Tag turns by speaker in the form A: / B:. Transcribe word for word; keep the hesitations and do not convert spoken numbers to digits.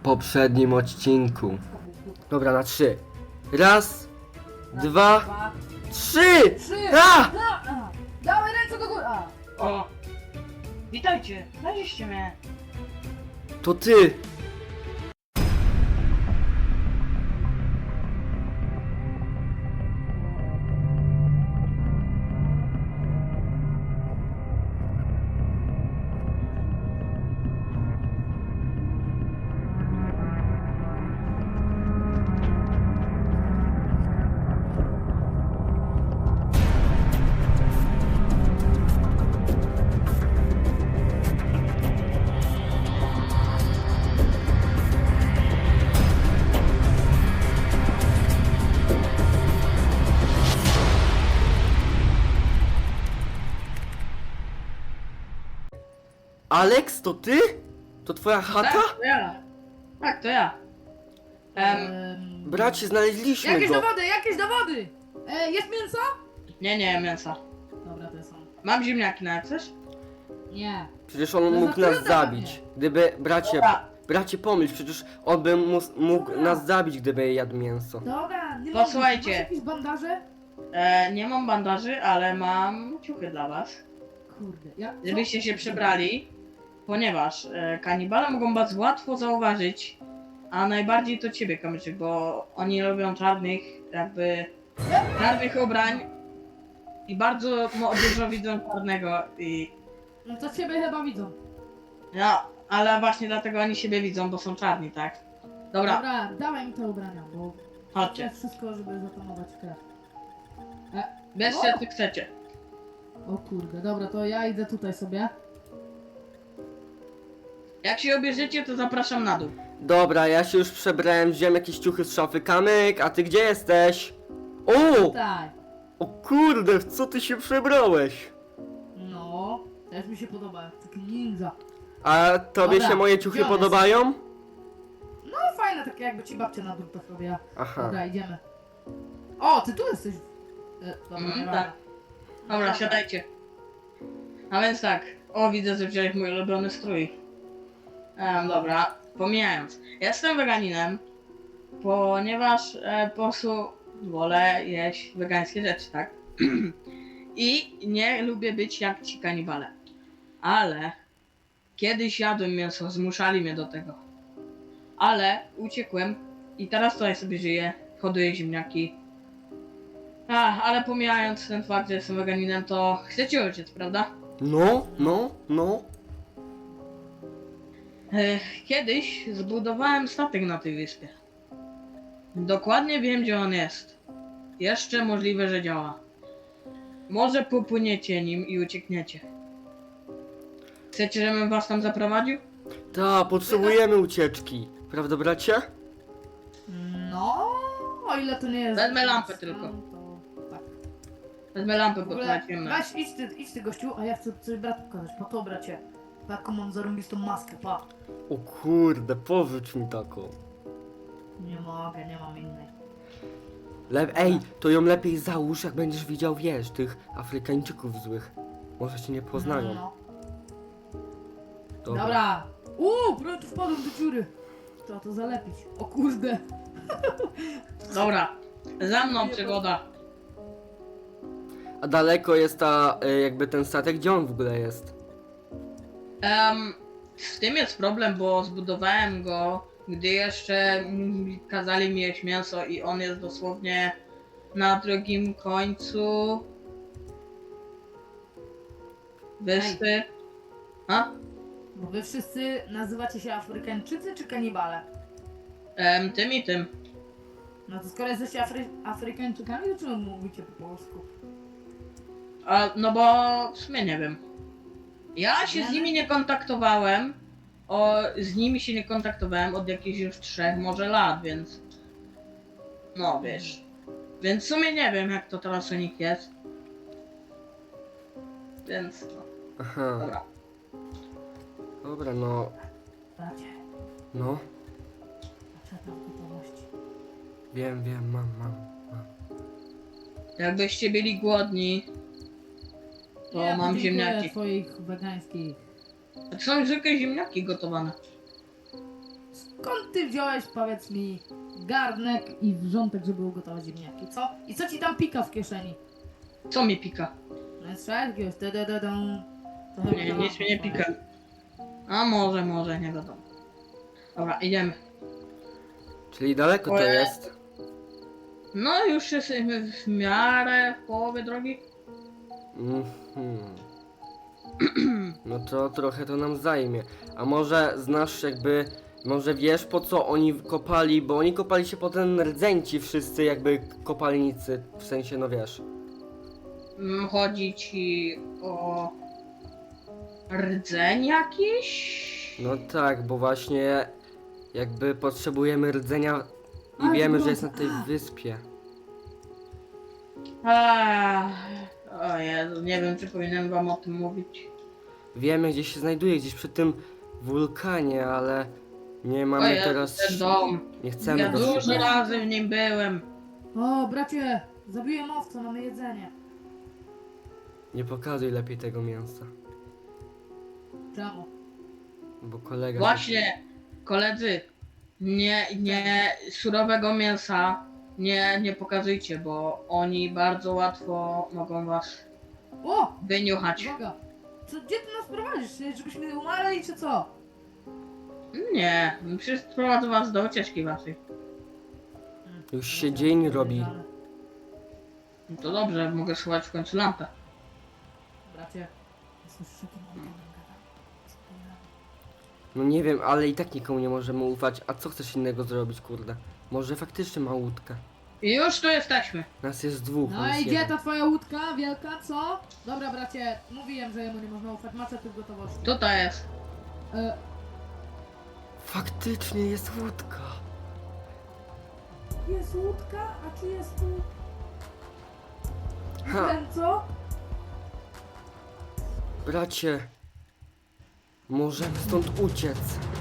A: poprzednim odcinku. Dobra, na trzy. Raz, dwa,
B: Dwa,
A: trzy!
B: trzy!
A: A!
B: Da, a, dawaj ręce do góry! A.
C: O! Witajcie! Znaleźliście mnie!
A: To ty! Alex, to ty? To twoja chata?
C: Tak, to ja! Tak, to ja! Em,
B: Em,
A: Bracie, znaleźliśmy
B: jakieś
A: go.
B: dowody, jakieś dowody! E, jest mięso?
C: nie, nie, mięsa.
B: Dobra, to jest on.
C: Mam ziemniaki na coś?
B: Nie.
A: Przecież on
B: No
A: mógł nas
B: zatrudnia
A: zabić.
B: mnie.
A: Gdyby, bracie,
C: Dobra.
A: bracie pomyśl, przecież on by mus, mógł
B: Dobra.
A: nas zabić, gdyby jadł mięso.
B: Dobra, nie
C: Posłuchajcie.
B: Masz jakieś bandaże?
C: E, nie mam bandaży, ale mam ciuchy dla was.
B: Kurde, ja... co?
C: Żebyście się przebrali. Ponieważ e, kanibale mogą was łatwo zauważyć. A najbardziej to ciebie, Kamyczek, bo oni lubią czarnych, jakby... czarnych ubrań. I bardzo mo- dużo widzą czarnego i...
B: No to ciebie chyba widzą.
C: No, ale właśnie dlatego oni siebie widzą, bo są czarni, tak? Dobra,
B: Dobra, dawaj mi te ubrania, bo... To
C: chodźcie.
B: jest wszystko, żeby zatamować krew.
C: Bierzcie, co chcecie.
B: O kurde, dobra, to ja idę tutaj sobie.
C: Jak się obierzecie, to zapraszam na dół.
A: Dobra, ja się już przebrałem, wziąłem jakieś ciuchy z szafy. Kamyk, a ty gdzie jesteś? O!
B: Tutaj.
A: O kurde, w co ty się przebrałeś?
B: No, też mi się podoba, jak taki ninja.
A: A tobie
B: Dobra,
A: się moje ciuchy
B: gdzie on jest?
A: podobają?
B: No fajne, takie jakby ci babcia na drutach robiła.
A: Aha.
B: Dobra, idziemy. O, ty tu jesteś. E, dobra,
C: Mhm,
B: nie
C: tak.
B: tak.
C: Dobra, siadajcie. A więc tak. O, widzę, że wziąłeś mój ulubiony strój. Em, dobra, pomijając. Jestem weganinem, ponieważ e, po prostu wolę jeść wegańskie rzeczy, tak? I nie lubię być jak ci kanibale. Ale kiedyś jadłem mięso, zmuszali mnie do tego. Ale uciekłem i teraz tutaj sobie żyję, hoduję ziemniaki. A, ale pomijając ten fakt, że jestem weganinem, to chcecie uciec, prawda?
A: No, no, no.
C: Ech, Kiedyś zbudowałem statek na tej wyspie. Dokładnie wiem, gdzie on jest. Jeszcze możliwe, że działa. Może popłyniecie nim i uciekniecie. Chcecie, żebym was tam zaprowadził?
A: Ta, potrzebujemy ucieczki. Prawda, bracie?
B: No, o ile to nie jest...
C: Wezmę lampę tylko.
B: To, tak.
C: Wezmę lampę,
B: W
C: bo
B: ogóle,
C: to ciemno.
B: weź, idź ty, idź ty gościu, a ja chcę coś bratu pokazać. Pa to bracie. Taką mam zarąbistą maskę, pa.
A: O kurde, pożycz mi taką.
B: Nie mogę, nie mam innej.
A: Le Ej, to ją lepiej załóż, jak będziesz widział, wiesz, tych Afrykańczyków złych. Może cię nie poznają.
B: No,
A: Dobra.
B: Dobra. Uuu, prawie wpadłem do dziury. Trzeba to zalepić. O kurde.
C: Dobra, za mną przygoda.
A: A daleko jest ta, y, jakby ten statek, gdzie on w ogóle jest?
C: Em, z tym jest problem, bo zbudowałem go, gdy jeszcze mm, kazali mi jeść mięso i on jest dosłownie na drugim końcu wyspy. A?
B: Bo wy wszyscy nazywacie się Afrykańczycy czy kanibale?
C: Em, tym i tym.
B: No to skoro jesteście Afry Afrykańczykami, to czemu mówicie po polsku?
C: A, no bo w sumie nie wiem. Ja się z nimi nie kontaktowałem. O, z nimi się nie kontaktowałem od jakichś już trzech może lat, więc... No wiesz. Więc w sumie nie wiem, jak to teraz u nich jest. Więc no,
A: Aha.
C: dobra.
A: Dobra, no,
B: Bracie,
A: no.
B: patrzę tam w gotowości.
A: Wiem, wiem, mam, mam.
C: Jakbyście byli głodni, to
B: Nie,
C: mam
B: podziękuję
C: ziemniaki.
B: twoich wegańskich.
C: To są zwykłe ziemniaki gotowane.
B: skąd ty wziąłeś, powiedz mi, garnek i wrzątek, żeby ugotować ziemniaki, co? I co ci tam pika w kieszeni?
C: Co mi pika?
B: No jest jakiegoś da-da-da-dum. To
C: Nie,
B: chyba-
C: nic mi nie pika. A może, może, nie wiadomo. Dobra, idziemy.
A: Czyli daleko to
C: Ojej.
A: jest.
C: No już jesteśmy w miarę w połowie drogi.
A: Mhm. No to trochę to nam zajmie. A może znasz jakby... Może wiesz po co oni kopali, bo oni kopali się po ten rdzeń ci wszyscy jakby kopalnicy. W sensie, no wiesz.
C: Mm, Chodzi ci o rdzeń jakiś?
A: No tak, bo właśnie jakby potrzebujemy rdzenia i
B: Ale
A: wiemy,
B: no,
A: że jest na tej
B: a.
A: wyspie.
C: Ach, o Jezu, nie wiem czy powinienem wam o tym mówić.
A: Wiemy gdzie się znajduje, gdzieś przy tym wulkanie, ale nie
C: O
A: mamy
C: Jezu,
A: teraz...
C: ten dom.
A: Nie chcemy
C: Ja
A: go
C: dużo
A: szukać.
C: razy w nim byłem.
B: O, bracie, zabiłem owca, mamy jedzenie.
A: Nie pokazuj lepiej tego mięsa,
B: Czemu?
A: bo kolega...
C: Właśnie, koledzy, nie, nie, surowego mięsa nie, nie pokazujcie, bo oni bardzo łatwo mogą was
B: O,
C: wyniuchać.
B: uwaga. Co, gdzie ty nas prowadzisz? Żebyśmy umarli, czy co?
C: Nie, przecież prowadzę was do ucieczki waszej.
A: Już się dzień robi.
C: No to dobrze, mogę schować w końcu lampę.
B: Bracie, słyszysz jakim on tam gada? Co to ja?
A: No nie wiem, ale i tak nikomu nie możemy ufać. A co chcesz innego zrobić, kurde? Może faktycznie ma łódkę.
C: I już tu jesteśmy.
A: Nas jest dwóch. on
B: No
A: jest
B: i gdzie
A: jeden.
B: ta twoja łódka wielka, co? Dobra, bracie, mówiłem, że jemu nie można ufać, macie tu w gotowości.
C: Tutaj jest.
B: E,
A: Faktycznie jest łódka.
B: jest łódka, a czy jest tu...
A: Ha.
B: Ten co?
A: Bracie, możemy stąd uciec.